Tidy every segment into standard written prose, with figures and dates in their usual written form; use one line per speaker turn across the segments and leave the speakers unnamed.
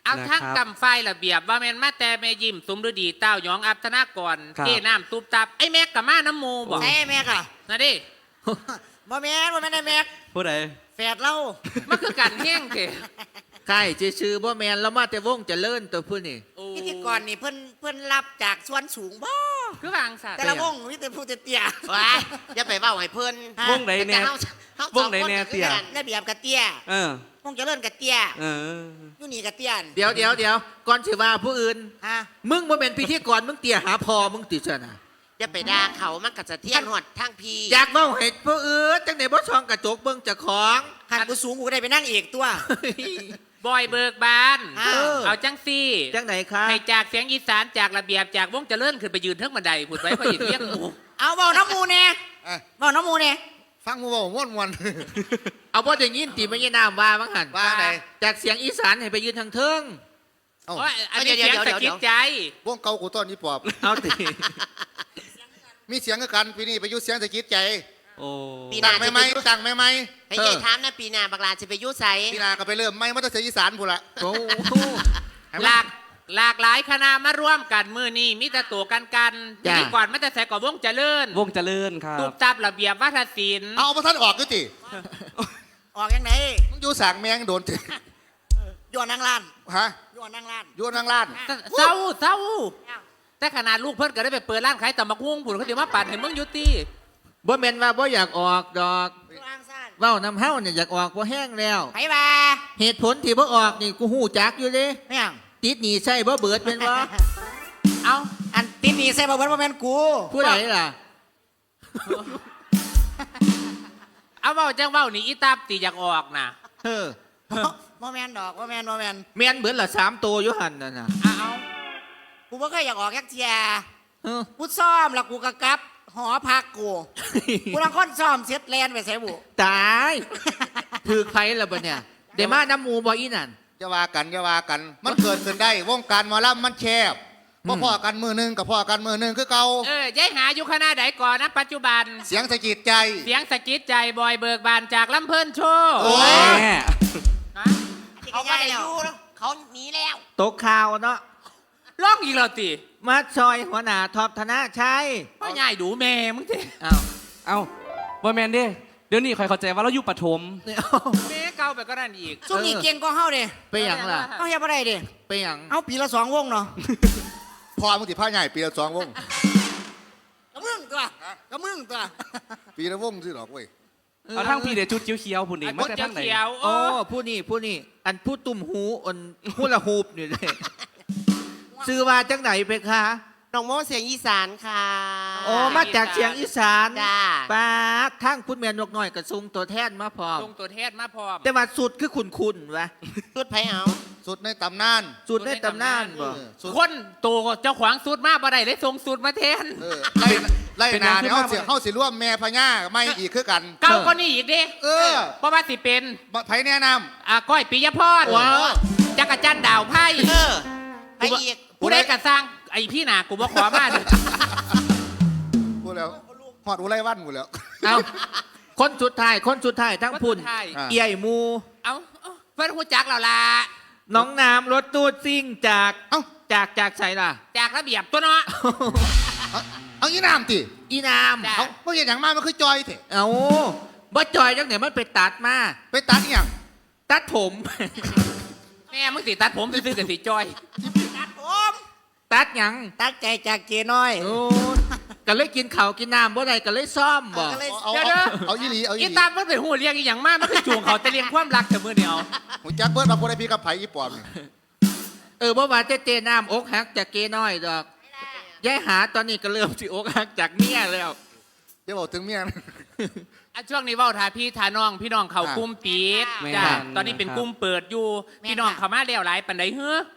เอาทั้งกำไฟระเบียบว่าแม่นมาแต่แม่ยิ้มสมฤดีเต้าหยองอัพธนากรเก้น้ำตุบตับไอ้แม็กกับมาน้ำมูบอก
ใช่แม็กอะ
นะดิ
บ่แม่นได้แม็ก
ผู้ใด
แฝดเรา
มันคือกันแห้งเถอะ
ใช่ชื่อบ่แมนแล้วมาแต่วงเจะเลิ่นตัวผู้นี่
พิธีกรนี่เพิ่นรับจากส่วนสูงบ่
คือวางสัตว์
แต่ละวงมีแต่ผู้เตี้ย
ว้ายอย่าไปเว้าให้เพิ่น
วงไหนแน่ วงไหนแน่เตี้ย
ระเบียบกะเตี้ย
เออ
วงเจริญกะเตี้ย
เออ
อยู่นี่กะเตี้ยน
เดี๋ยวก่อนสิว่าผู้อื่น
ฮะ
มึงบ่แม่นพิธีกรมึงเตี่ยหาพอมึงติซะนะ
อย่าไปด่าเขามันก็จะเที่ยงหอดทางพี
อยากเว้าให้ผู้อื่นจังได๋บ่ช่องกระจกเบิ่งเจ้าของ
หันกูสูงกูก็ได้ไปนั่งเอกตัว
บอยเบิกบาน
อ้าว
เอาจังซี่
จังไหนคะ
ให้จากเสียงอีสานจากระเบียบจากวงเจริญขึ้นไปยืนเทิงบันไดพูดไว้พอหยิบเรียกหมู
เอาเบาน้ำมูเนี่ยเบาน้ำมูเนี่ย
ฟังมูบอกม่วนม่วน
เอาบ่ได้ยินติไม่ใช่น้ำว่ามั้งหั่น
ว่าไหน
จากเสียงอีสานให้ไปยืนทางเทิง
เอ้า
โอ้ยอันนี้เสียงสะกิดใจ
วงเก่ากูต้นนี้ปอบ
เอาติ
มีเสียงกันปีนี้ไปอยุ่เสียงตะกิดใจ
โอ้
ปีห
ตั้
น้าง
ไม่ไหมตั้งไม่ไหม
ให้ยายถามนะปีหน้าบักลาจะไปอยุ่ไส
ปีหนาก็ไปเริ่มไม่มาตั้งแต่อีสานพูนละ
โอ้
หลากหลายคณะมาร่วมกันมือนี้มีแต่ตัวกันนี่ก่อนมาแต่ใส่ก่อนวงเจริญ
วงเจริญครั
ตุ
บ
บตับระเบียบวัฒนศิลป์
เอาพระท่านออกก็จิ
ออกยังไง
มึงอยู่สางแมงโดนจิ
ย้อนนางล้าน
ฮะ
ย้อนนางล้าน
อยู่นางล้าน
เศร้าแต่ขนาดลูกเพิ่นก็ได้ไปเปิดร้านขายตำบักหุ่งผุนเขาเดี๋ยวมาปั่นให้มึงอยุติ
บ่แม่นว่าบ่อยากออกดอก
อยู่อ่างซ่าน
เว้านำเฮาเนี่ยอยากออกบ่แห้งแล้ว
ไปบ่า
เหตุผลที่บ่ออกนี่กูฮู้จักอยู่เด้
ไม่ยัง
ติดหนี้ใช่บ่เบิดเป็นบ่
เอา
อันติดหนีใส่บ่เบิดบ่แม่นกู
ผู้ใดล่ะ
เอาเว้าจังเว้านี่อีตาบตีอยากออกน่ะ
เออ
บ่แม่นดอกบ่แม่นบ่แม่น
แม่นเบิดละ3ตัวอยู่หั่นน่ะนะ
เอา
กูบ่เคยอยากออกยักเทีย
เออ
กูซ้อมแล้วกูก็กลับ หอพักกูกูลังคนซ้อมเสร็จแลนไปใส่บุ
ตายถือไผล่ะบ่เนี่ยได้มาน้ำหมู่บ่อีนั่น
อย่าว่ากันอย่าว่ากัน มันเกิดขึ้นได้วงการหมอลำมันแคบพ่อกันมือหนึงกับพ่อกันมือหนึงคือเก่า
ยายหาอยู่คณะใดก่อนนะปัจจุบัน
เสียงตะกิดใจ
เสียงสะกิดใจบอยเบิกบานจากลำเพิ่นโชว์
โอ้
แม่
ฮะ
เขาไม่ได้อยู่แล้วเขาหนีแล้ว
ตกข่าวเนาะ
ร้องอีกแล้วติ
มาซอยหัวหน้าท็อปธนาชัย
พ่อใหญ่ดูแม่มึงเถ
อ้าว
เอ้าบ่แมนเด้เดี๋ยวนี้คอยเข้าใจว่าเราอยู่ปฐม
เนี่ย
แม่เก่าไปก็นั่นอีก
ซุ่มนี่เก่งก็เฮาเด้
ไปหยังล่ะ
เฮาเฮ็ดบ่ได้เด้
ไปหยัง
เอาปีละ2วงเนาะ
พ่อมึงติผ้าใหญ่ปีละ2 วง
ก็มึงตัวก็มึงตัว
ปีละวงสิหรอกเว้ย
เอาทั้งพี่เดี๋ยวชุดเขียวๆพุ่นนี่
อ่ะ
มา
คน
แต่
จะ
ทั้งไหน
เขียว
โอ้ผู้นี่อันผู้ตุ่มหูอันฮูละฮูปนี่เลยซื้อว่าจังไหนไปคะ
น้องโมเสียงอีสานค่ะ
โอ้มาจากเชียงอีสาน
จ้า
ป้าทั้งคุณแม่นกน้อยกับซุงตัวแทนมาพร้อม
ลงตัวเทศมาพร้อม
แต่ว่าสุดคือคุณวะ
สุดไผเอา
สุดในตำนาน
สุดในตำนานบ่
สุด
คนโตเจ้าขวางสูตรมาบ่ได้เลยส่งสูตรมาแทน
ไล่นาเนี่ยเขาสิร่วมแม่พญาไม่อีกคือกัน
เก่าก็นี่อีกเด้
เออ
เพราะว่าสิเป็น
ไผแนะน
ก้อยปิยพร
ว้าว
จักรจันทร์ดาวไพ่
เออไปอีก
ผู้ใดกระสร้างไอ้พี่หนากูบ่ขอมาเด้อ
ำพูดแล้วหอดอุไรวันกูแล้ว
เอาคนสุดท้ายทั้งพุ่น
ใช่
อ่ะ
เอี่ยมู
เอาเพื่อนหูจักเราล่ะ
น้องน้ำรถตูดซิ่งจาก
เอ้า
จากใส่ล่ะ
จากระเบียบตัวเนาะ
เอาอีน้ำติ
อีน้
จ้ะ
เขาเมื่อเห็นอย่างมากมันคือจอยเถอะ
ำเอาบ่จอยจังไหนมันไปตัดมา
ไปตัดอหย่าง
ตัดผม
แม่มึงสิตัดผมซื้อๆกับสีจอย
ตัดผม
ตัดหยัง
ตัดใจจากเจน้อย
โอ้ก็เลยกินข้าวกินน้ำบ่ได้ก็เลยซ่อมบ่
ก็เลย
เอา
เดี๋ยวเด้อ
เอาอีหลีเอาอี
อี
หลี
ตามมันเป็นหูเลี้ยงอีหยังมากมันคือจูงเขาแต่เลี้ยงความรักแต่มือเดียว
หูจักเบิร์ดมาพูดไอพี่กับไผ่อีปอบนี่
บ่ว่าเจน้ำอกหักจากเกน้อยดอกยายหาตอนนี้ก็เริ่มสิอกหักจากเมียแล้ว
เดี๋ยวบอกถึงเมียนะ
อ่ะช่วงนี้เว้าทาพี่ทาน้องพี่น้องเขากลุ่มปิด
แม่
จ้ะ
น
ตอนนี้เป็นกลุ่มเปิดอยู่พี่น้องเขามาแล้วหลายปานใดเฮ้อก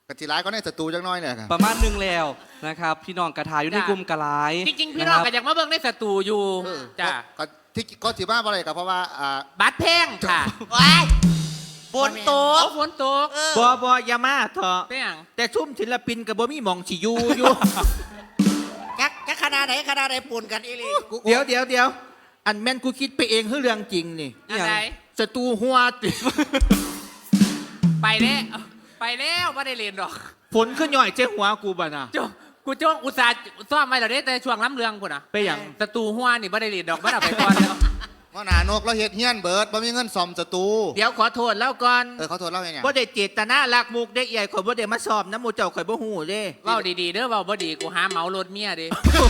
ะทิร้ายก็ในศัตรูจังน้อยเนี่ยครับ
ประมาณหนึงแล้วนะครับพี่น้องกระทาอยู่ในกลุ่มกระไล
จริงๆพี่น้องก็อยากมาเบิ่งในสตูอยู่
เออ
จ้ะ
ก็ที่ก็ถือว่าอะไรกับเพราะว่า
บัตรแพงค่ะ
ว้ายบนโต๊
โอ้
ะ
ฝนตก
บ่อย่ามาเถอะ
เป็นหยัง
แต่ซุ่มศิลปินกับบ่มีหมองสิอยู่
จักคณะไหนปูนกันอีหลี
เดี๋ยวอันแม่นกูคิดไปเองคือเรื่องจริงนี่
อะไร
ศัตรูหัวติ
ไปเด้ไปไปแล้วไม่ได้เรียนดอก
ฝนขึ้นหน่อยเจ้หัวกูบ่น่ะ
กูจ้องอุตส่าห์ซ่อมไว้แล้วเด้แต่ช่วงล้ำเรืองพุ่นอ่ะ
ไปหยัง
ศัตรูหัวนี่ไม่ได้เรียนดอกไม่ได้ไปก่อนแล้ว
ว่าหนานกเราเฮ็ดเฮี้ยนเบิดบ่มีเงินซ่อมศัตรู
เดี๋ยวขอโทษแล้วก่อน
เขาโทษเล่าไงเนี่ย
บ่ได้เจตนาลักมุกได้ใหญ่ข่อยบ่ได้มาสอบน้ำหมูเจ้าข่อยบ่ฮู้เด้
เว้าดีๆเด้อเว้าบ่ดีกูหาเหมารถเมียดิ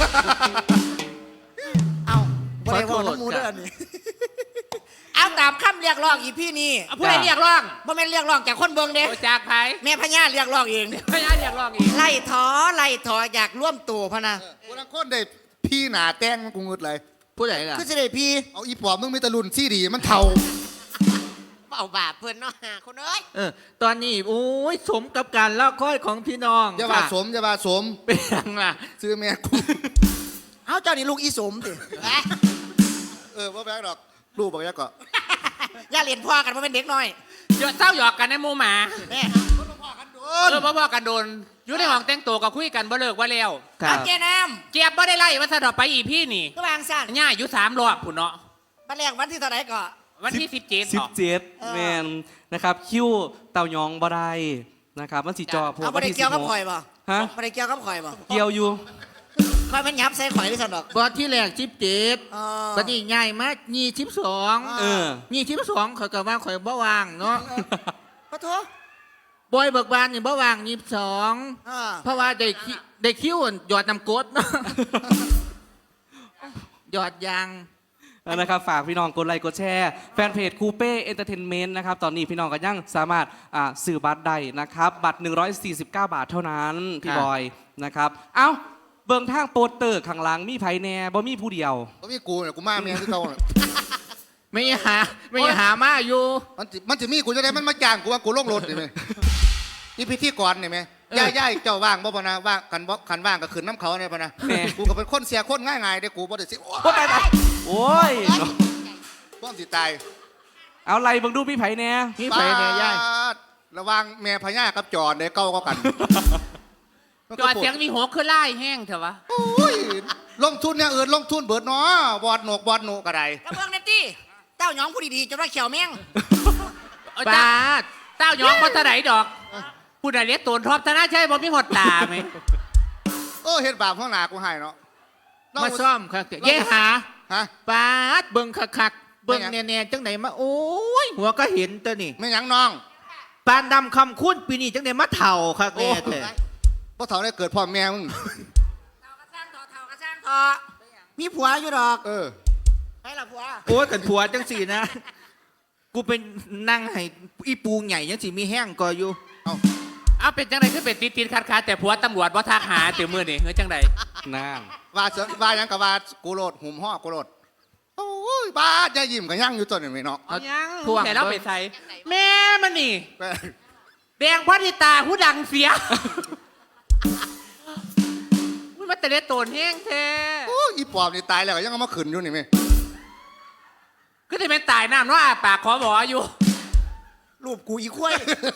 เอาบริวารน้ำมูเด้อนี่ เอาตามคำเรียกร้องอีพี่นี่
เอาผู้ใดเรียกร้อง
บ่แม่นเรียกร้องจากคนเบิ่งเด้
โอ้จากไผ
แม่พญาเรียกร้องเอง
พญาเรียกร้องอีก
ไล่ถออยากร่วมตัวพะนะ
กูลังคนได้พี่หนาแต่งกูงึดเลย
ผู้ใดล่ะ
คือสิได้พี่
เอาอีปอบมึงมีแตะลุนซี่ดีมันเท่า
เบาบาปเพื่อนเนาะหาคนเอ้ย
ตอนนี้โอ้ยสมกับการรอคอยของพี่น้อง
อย่าว่า
ค่ะ
สมอย่าว่าสม
เป็นหยังล่ะ
ซื้อแม่กู
เอาเจ้านี่ลูกอีสมติ
ว่าแบกดอกลูกบอกยักษ์ก็
อย่าเรียนพ่อกันว่าเป็นเด็กน้อย
เดี๋ยวเศร้าหยอกกันในหมู่หมา
แม่
พ่อกันโดนอยู่ในห้องแต่งตัวก็คุยกันบ่เลิกว่าแล้ว
ครั
เอา
บ
แกน้
เจี๊ยบบ่ได้ไล่ว่าถ้าดอกไปอีพี่นี่
ำก็วางสั่น
ย่าอยู่3 รอบพุ่นเนาะ
บัดแรกวันที่เท่าไหร่ก็
วันที่17เนาะ
17แมนนะครับคิวเต่ายองบ่ได้นะครับมันสิจอพวก
เอาบ่
วัน
ได้
ที่
เกี่ยวกับ
16
ข่อยบ่
ฮะ
บ่ได้เกี่ยวกับข่อยบ่
เกี่ยวอยู่
ข่อยมันยับใส่ข่อยที่สั่นดอก
บอที่แรก17
อ๋อ
บัดนี้ใหญ่มา22
เออ
22ข่อยก็ว่าข่อยบ่ว่างเนาะ
ปะโถ
บอยเบิกบานนี่บ่ว่าง22
อ่า
เพราะว่าได้คิวหยอดน้ำกรดเนาะ หยอดยาง
นะครับฝากพี่น้องกดไลค์กดแชร์แฟนเพจคูเป้เอนเตอร์เทนเมนต์นะครับตอนนี้พี่น้องก็ยังสามารถซื้อบัตรได้นะครับบัตร 149 บาทเท่านั้นพี่บอยนะครับเอ้าเบิ่งทางโปสเตอร์ข้างหลังมีไผแน่บ่มีผู้เดียว
ก็มีกูเนี่ยกูมาเมียที่เก่าน่ะ
ไม่หามาอยู่
มันจะมีกูจะได้มันมาจ้างกูว่ากูลงรถนี่ไหมนี่พิธีกรนี่ไหมย่ายเจ้าว่างบ่ปะนะว่างกันบ่คันว่างก็ขึ้นน้ำเขาเนี่ยปะนะกูก็เป็นคนเสียคนง่ายๆเด้กูบ่ได้สิ
โอ้ย
พวกสิตาย
เอาไล่เบิ่งดูมีไผแน่
มีไผเนี่ยย่าย
ปาดระวังแม่พญากับจอดเด้เก้าก็กัน
จอดเสียงมีหัวคือไล่แห้งเถอะวะ
โอ้ยลงทุนเนี่ยลงทุนเบิดเนาะบอดหนกก็ได้
กระเบื้องเนตตี้เต้าหยองผู้ดีๆจนว่าเขียวแม่ง
เอา
บ
เจ้า
าด
เต้ายองบ่เท่าไหร่ดอกผู้ใดเรียกตูนทอบธนาใช่บ่มีหดตาไหม
โอ้เฮ็ดบาปข้างหน้ากูให้เนาะ
มาซ่อมครับเย่หา
ฮะ
บาดเบิ่งคักๆเบิ่งแน่ๆจังไหนมาโอ้ยหัวก็เห็นตัวนี่
ไม่หยังน้อง
ปานดำคำคุ้นปีนี้จังไหนมาเถ่าคักแน่แต่
พวกเฒ่าได้เกิดพ่อแม่มึง
เท่ากระสร้างทอมีผัวอยู่ดอก ให้ละผัว
โอ้ยกันผัวจังสี่นะ กูเป็นนั่งให้อีปูใหญ่ยังสิมีแห้งก็อยู่
เอาเป็นจังไดคือเป็นติดๆคัดๆแต่ผัวตำรวจบ่ทักหาติมื้อนี่เฮ้ยจังได
นั่น
ว่าหยังกับว่ากูโลดหุ่มห่อกูโลดโอ้ยบ้าจะยิ้มกับยังอยู่ตัวนี้ไหมเนาะ
เอายัง
ทวง
แต่เราไปใส่แม่มันนี่แดงพอดีตาหูดังเสียมันมาแต่เล็ดโตนแห้งแท้
โอ้ยอีปอบนี่ตายแล้วก็ยังเอามาขืนอยู่นี่ไหม
ก็จะเป็นตายน้ำเนาะอาปากขอหมออยู่
รูปกูอีคุ้ย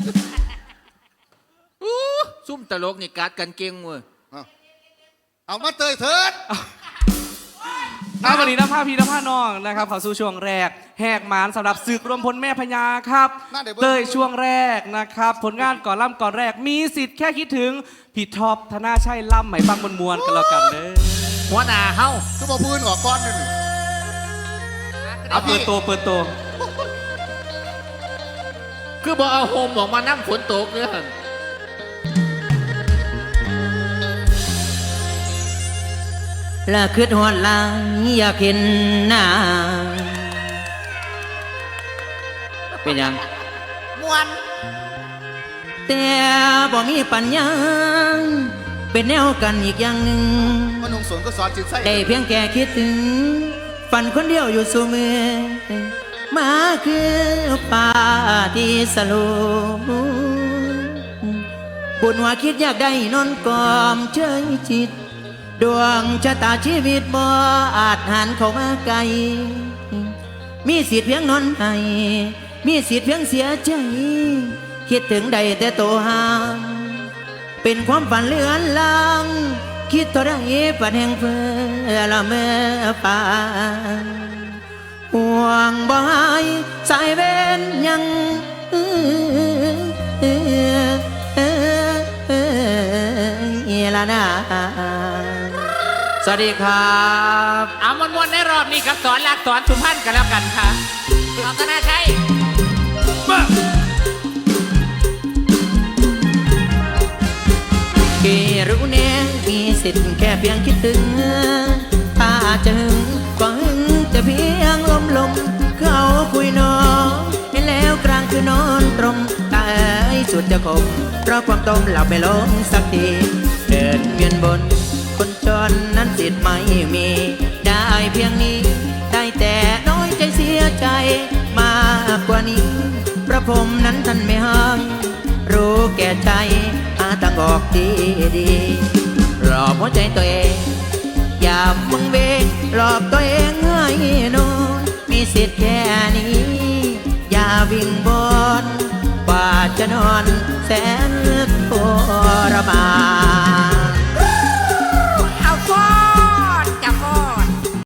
อู้ซุ่มตลกนี่กัดกันเก่งเว้ย
เอามาเตยเถิด
เอาวันนี้นะผ้าพี่นะผ้าน้องนะครับเข้าสู่ช่วงแรกแหกหมานสำหรับศึกรวมพลแม่พญาครับเตยช่วงแรกนะครับผลงานก่อนล่ำก่อนแรกมีสิทธิ์แค่คิดถึงพี่ท็อปธนาชัยล่ำไหมฟังมวลๆกันแล้วกันเด้อ
หัวหน้าเฮา
ก็บอกพื้นออกก้อนนึง
เอาเปิดตัว
คือบอกเอาโฮมออกมานั่งฝนตกเลยหั่น
ละคืดหอดหลายอยากเห็นหน้าเป็นหยัง
มวน
แต่บ่มีปัญญาเป็นแนวกันอีกอย่างหนึ่ง
มันนุ่งสวนก็สอนจิตไส้
ได้เพียงแค่คิดถึงฝันคนเดียวอยู่สูมือมาคือป่าที่สโลบุญว่าคิดอยากได้นอนกอมเฉยจิต ดวงชะตาชีวิตบ่อาจหันเข้ามาไกล มีสิทธิ์เพียงนอนให้มีสิทธิ์เพียงเสียใจ คิดถึงใดแต่โตห่างเป็นความฝันเลือนลางคิดเท่าไรปัดแห่งเพื่อละเมื่อปานห่วงบ่หายสายเว้นยังนา สวัสดีครับ
เอามวนๆในรอบนี้กับสอนหลักสอนสุพรรณกันแล้วกันค่ะ
รัตนาชัย
กี่รู้แน่มีสิทธิ์แค่เพียงคิดถึง ถ้าจะหึงก็หึงจะเพียงลมเขาคุยน้องให้แล้วกลางคือนอนตรงแต่สุดจะคมเพราะความต้มหลับไม่ลงสักที เดินเวียนบนคนจนนั้นสิทธิ์ไม่มี ได้เพียงนี้ได้แต่น้อยใจเสียใจมากกว่านี้พระพรหมนั้นท่านไม่ห้ามรู้แก่ใจอาตั้งออกดีหลอกหัวใจตัวเองอย่ามึงเวงหลอกตัวเองให้นอนมีสิทธิ์แค่นี้อย่าวิ่งบนกว่าจะนอนแสน